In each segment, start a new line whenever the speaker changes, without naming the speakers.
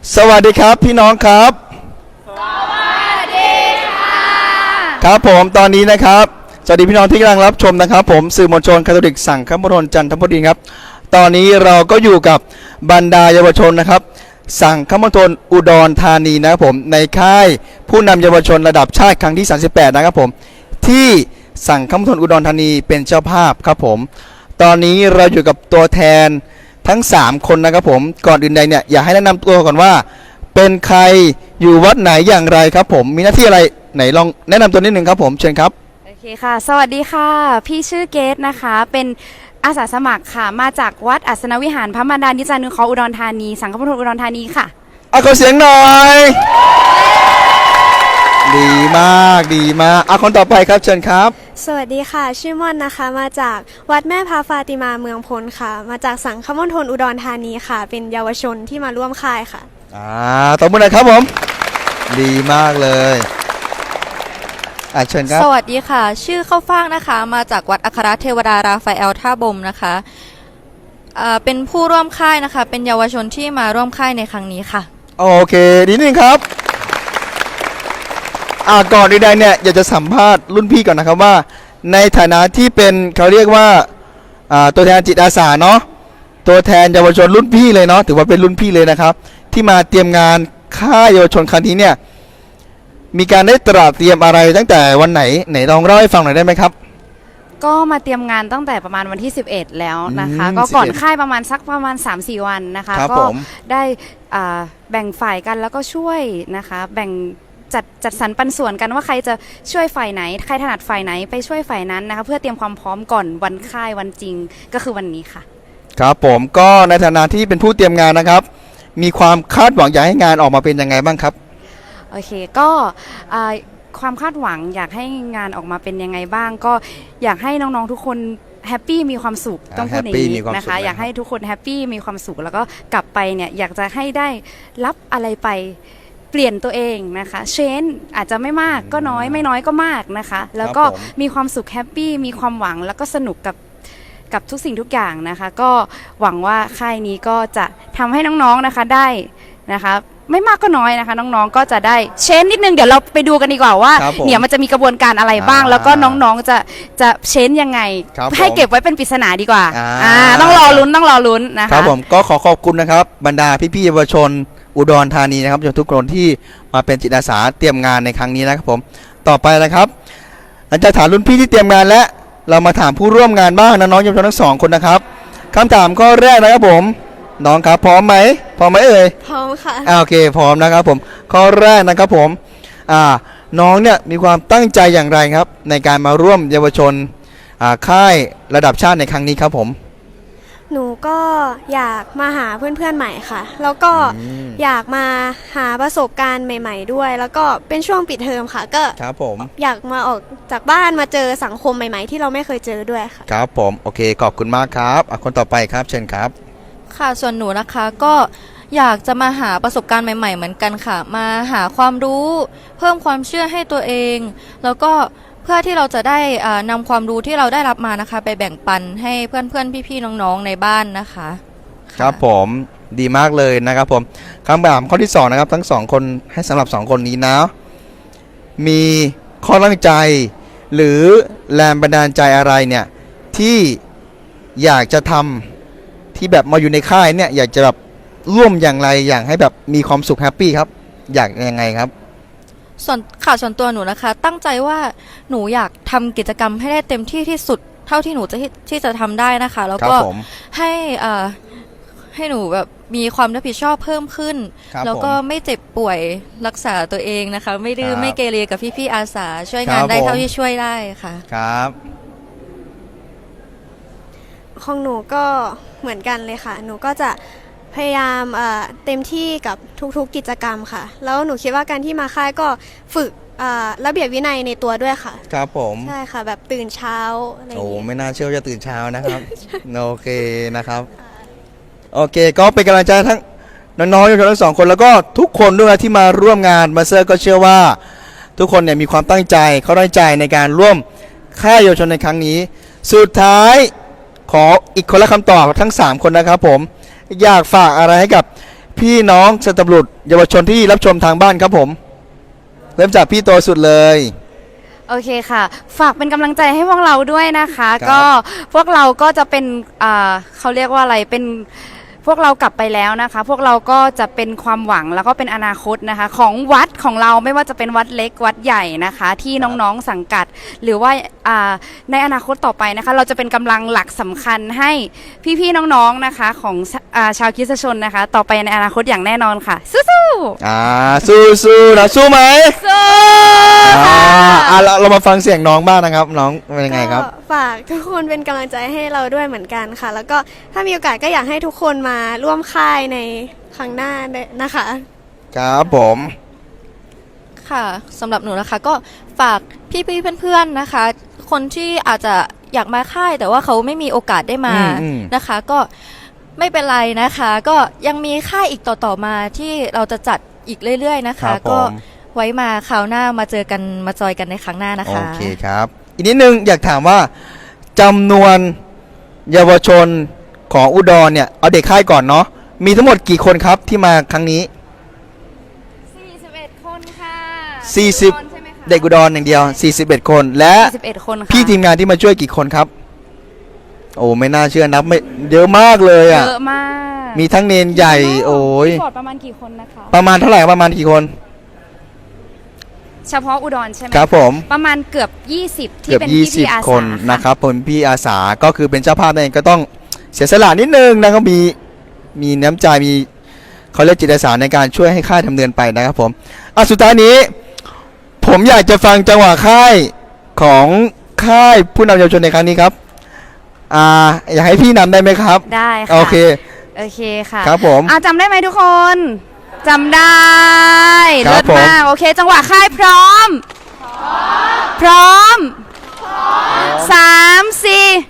สวัสดีครับพี่น้องครับ
สวัสดีค่ะ
ครับผมตอนนี้นะครับสวัสดีพี่น้องที่กำลังรับชมนะครับผมสื่อมวลชนคาทอลิกสังฆมณฑลจันทบุรีครับตอนนี้เราก็อยู่กับบรรดาเยาวชนนะครับสังฆมณฑลอุดรธานีนะครับผมในค่ายผู้นำเยาวชนระดับชาติครั้งที่38นะครับผมที่สังฆมณฑลอุดรธานีเป็นเจ้าภาพครับผมตอนนี้เราอยู่กับตัวแทนทั้ง3คนนะครับผมก่อนอื่นใดเนี่ยอยากให้แนะนำตัวก่อนว่าเป็นใครอยู่วัดไหนอย่างไรครับผมมีหน้าที่อะไรไหนลองแนะนำตัวนิดนึงครับผมเชิญครับ
โอเคค่ะสวัสดีค่ะพี่ชื่อเกตนะคะเป็นอาสาสมัครค่ะมาจากวัดอัศนวิหารพระมารดานิจานุเคราะห์อุดรธานีสังฆมณฑลอุดรธานีค่ะ
เอาขอเสียงหน่อยดีมากดีมากเอาคนต่อไปครับเชิญครับ
สวัสดีค่ะชื่อม่อนนะคะมาจากวัดแม่พระฟาติมาเมืองพลค่ะมาจากสังฆมณฑลอุดรธานีค่ะเป็นเยาวชนที่มาร่วมค่ายค่ะ
ตบมือหน่อยครับผมดีมากเลยเชิญครับ
สวัสดีค่ะชื่อข้าวฟ่างนะคะมาจากวัดอัครเทวดาราฟาเอลท่าบมนะคะเป็นผู้ร่วมค่ายนะคะเป็นเยาวชนที่มาร่วมค่ายในครั้งนี้ค่ะ
โอเคดีนึงครับก่อนใดๆเนี่ยอยากจะสัมภาษณ์รุ่นพี่ก่อนนะครับว่าในฐานะที่เป็นเขาเรียกว่าตัวแทนจิตอาสาเนาะตัวแทนเยาวชนรุ่นพี่เลยเนาะถือว่าเป็นรุ่นพี่เลยนะครับที่มาเตรียมงานค่ายเยาวชนครั้งนี้เนี่ยมีการได้ตระเตรียมอะไรตั้งแต่วันไหนลองเล่าให้ฟังหน่อยได้ไหมครับ
ก็มาเตรียมงานตั้งแต่ประมาณวันที่11แล้วนะคะก็ก่อนค่ายประมาณ3-4 วันนะคะก็ได้แบ่งฝ่ายกันแล้วก็ช่วยนะคะแบ่งจัดสรรปันส่วนกันว่าใครจะช่วยฝ่ายไหนใครถนัดฝ่ายไหนไปช่วยฝ่ายนั้นนะคะเพื่อเตรียมความพร้อมก่อนวันค่ายวันจริงก็คือวันนี้ค่ะ
ครับผมก็ในฐานะที่เป็นผู้เตรียมงานนะครับมีความคาดหวังอยากให้งานออกมาเป็นยังไงบ้างครับ
โอเคก็ความคาดหวังอยากให้งานออกมาเป็นยังไงบ้างก็อยากให้น้องๆทุกคนแฮปปี้มีความสุขต้องพูดอย่างนี้นะคะอยากให้ทุกคนแฮปปี้มีความสุขแล้วก็กลับไปเนี่ยอยากจะให้ได้รับอะไรไปเปลี่ยนตัวเองนะคะเชนอาจจะไม่มากก็น้อยไม่น้อยก็มากนะคะแล้วก็มีความสุขแฮปปี้มีความหวังแล้วก็สนุกกับทุกสิ่งทุกอย่างนะคะก็หวังว่าค่ายนี้ก็จะทำให้น้องๆนะคะได้นะคะไม่มากก็น้อยนะคะน้องๆก็จะได้เชนนิดนึงเดี๋ยวเราไปดูกันดีกว่าว่าเนี่ยมันจะมีกระบวนการอะไรบ้างแล้วก็น้องๆจะเชนยังไงให้เก็บไว้เป็นปริศนาดีกว่าต้องรอลุ้นนะคะ
ครับผมก็ขอบคุณนะครับบรรดาพี่ๆเยาวชนอุดรธานีนะครับทุกคนที่มาเป็นจิตอาสาเตรียมงานในครั้งนี้นะครับผมต่อไปนะครับหลังจากถามรุ่นพี่ที่เตรียมงานและเรามาถามผู้ร่วมงานบ้างน้องๆเยาวชนทั้ง2คนนะครับคำถามข้อแรกนะครับผมน้องครับพร้อมไหมเอ่ย
พร้อมค่ะ
โอเคพร้อมนะครับผมข้อแรกนะครับผมน้องเนี่ยมีความตั้งใจอย่างไรครับในการมาร่วมเยาวชนค่ายระดับชาติในครั้งนี้ครับผม
หนูก็อยากมาหาเพื่อนๆใหม่ค่ะแล้วก็อยากมาหาประสบการณ์ใหม่ๆด้วยแล้วก็เป็นช่วงปิดเทอมค่ะก็
ครับผม
อยากมาออกจากบ้านมาเจอสังคมใหม่ๆที่เราไม่เคยเจอด้วยค่ะ
ครับผมโอเคขอบคุณมากครับคนต่อไปครับเชิญครับ
ค่ะส่วนหนูนะคะก็อยากจะมาหาประสบการณ์ใหม่ๆเหมือนกันค่ะมาหาความรู้เพิ่มความเชื่อให้ตัวเองแล้วก็เพื่อที่เราจะได้นำความรู้ที่เราได้รับมานะคะไปแบ่งปันให้เพื่อนๆพี่ๆน้องๆในบ้านนะคะ
ครับผมดีมากเลยนะครับผมคำถามข้อที่2นะครับทั้ง2คนให้สำหรับ2คนนี้นะมีข้อตั้งใจหรือแรงบันดาลใจอะไรเนี่ยที่อยากจะทำที่แบบมาอยู่ในค่ายเนี่ยอยากจะแบบร่วมอย่างไรอย่างให้แบบมีความสุขแฮปปี้ครับอยากยังไงครับ
ส่วนตัวหนูนะคะตั้งใจว่าหนูอยากทำกิจกรรมให้ได้เต็มที่ที่สุดเท่าที่หนูที่จะทำได้นะคะแล้วก็ให้หนูแบบมีความรับผิดชอบเพิ่มขึ้นแล้วก็ไม่เจ็บป่วยรักษาตัวเองนะคะไม่ดื้อไม่เกเรกับพี่ๆอาสาช่วยงานได้เท่าที่ช่วยได้ค่ะ
ครับ
ของหนูก็เหมือนกันเลยค่ะหนูก็จะพยายามเต็มที่กับทุกๆกิจกรรมค่ะแล้วหนูคิดว่าการที่มาค่ายก็ฝึกระเบียบวินัยในตัวด้วยค่ะ
ครับผม
ใช่ค่ะแบบตื่นเช้าอะไรอย่าง
เงี้
ย
ไม่น่าเชื่อจะตื่นเช้านะครับ โอเคนะครับโอเคก็เป็นกำลังใจทั้งน้องๆทั้ง2คนแล้วก็ทุกคนด้วยที่มาร่วมงานมาเซอร์ก็เชื่อว่าทุกคนเนี่ยมีความตั้งใจเขาตั้งใจในการร่วมค่ายเยาวชนในครั้งนี้สุดท้ายขออีกคนละคำตอบทั้ง3คนนะครับผมอยากฝากอะไรให้กับพี่น้องสตบุรุษเยาวชนที่รับชมทางบ้านครับผม เริ่มจากพี่โตสุดเลย
โอเคค่ะ ฝากเป็นกำลังใจให้พวกเราด้วยนะคะ
ครับ
ก็พวกเราก็จะเป็นเขาเรียกว่าอะไรเป็นพวกเรากลับไปแล้วนะคะ พวกเราก็จะเป็นความหวังแล้วก็เป็นอนาคตนะคะ ของวัดของเราไม่ว่าจะเป็นวัดเล็กวัดใหญ่นะคะ ที่น้องๆสังกัด หรือว่าในอนาคตต่อไปนะคะ เราจะเป็นกำลังหลักสำคัญให้พี่ๆน้องๆนะคะของชาวคริสตชนนะคะ ต่อไปในอนาคตอย่างแน่นอนค่ะสู้ๆ
สู้นะสู้ไหม
สู้
เรามาฟังเสียงน้องบ้างนะครับ น้องเป็นยังไงครับ
ก็ฝากทุกคนเป็นกำลังใจให้เราด้วยเหมือนกันค่ะ แล้วก็ถ้ามีโอกาสก็อยากให้ทุกคนมาร่วมค่ายในครั้งหน้าด้วยนะคะ
ครับผม
ค่ะสำหรับหนูนะคะก็ฝากพี่ๆเพื่อนๆนะคะ คนที่อาจจะอยากมาค่ายแต่ว่าเขาไม่มีโอกาสได้มานะคะ ก็ไม่เป็นไรนะคะ ก็ยังมีค่ายอีกต่อๆมาที่เราจะจัดอีกเรื่อยๆนะ
ครั
คะ
บผม
ก็ไว้มาคราวหน้ามาเจอกันมาจอยกันในครั้งหน้านะ
โอ
คะ
เคครับ อีกนิดนึงอยากถามว่าจำนวนเยาวชนของอุดรเนี่ยเอาเด็กค่ายก่อนเนาะมีทั้งหมดกี่คนครับที่มาครั้งนี้
41 คนค่ะ
40 เด็กอุดรอย่างเดียว 41 คน และ
41 คนค่ะ
พี่ทีมงานที่มาช่วยกี่คนครับ โอ้ไม่น่าเชื่อนับไม่เยอะมากเลย
เย
อ่ะ
อะมาก
มีทั้งเนนใหญ่โอ้ย
พี่ฟอร์ดประมาณกี่คนนะคะ
ประมาณเท่าไหร่ประมาณกี่คน
เฉพาะอุดรใช่ไหม
ครับผม
ประมาณเกือบ 20 ที่
เกือบ
เป็นพี่ๆอาสา
20 คน
ค่ะ
นะครับผมพี่อาสาก็คือเป็นเจ้าภาพนั่นเองก็ต้องเสียสละนิดนึงนะครับมีน้ำใจมีเขาเรียกจิตอาสาในการช่วยให้ค่ายดำเนินไปนะครับผมสุดท้ายนี้ ผมอยากจะฟังจังหวะค่ายของค่ายผู้นำเยาวชนในครั้งนี้ครับอยากให้พี่นำได้ไหมครับ
ได้ค่ะ
โอเค
โอเคค่ะ
ครับผม
จำได้ไหมทุกคนจำได้
ครั
เลิ
บ
ศมาก
ผม
โอเค จังหวะค่ายพร้อม พร้อม 3 4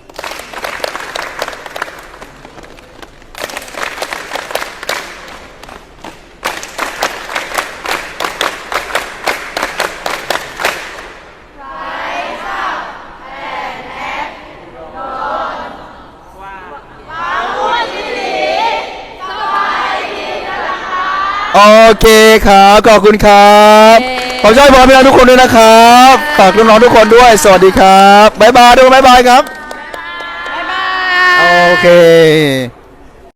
โอเคครับขอบคุณครับขอช่วยพรพี่น้องทุกคนด้วยนะครับฝากน้องๆทุกคนด้วยสวัสดีครับบ๊ายบายด้วยบ๊ายบายครับ
บ๊ายบาย
โอเค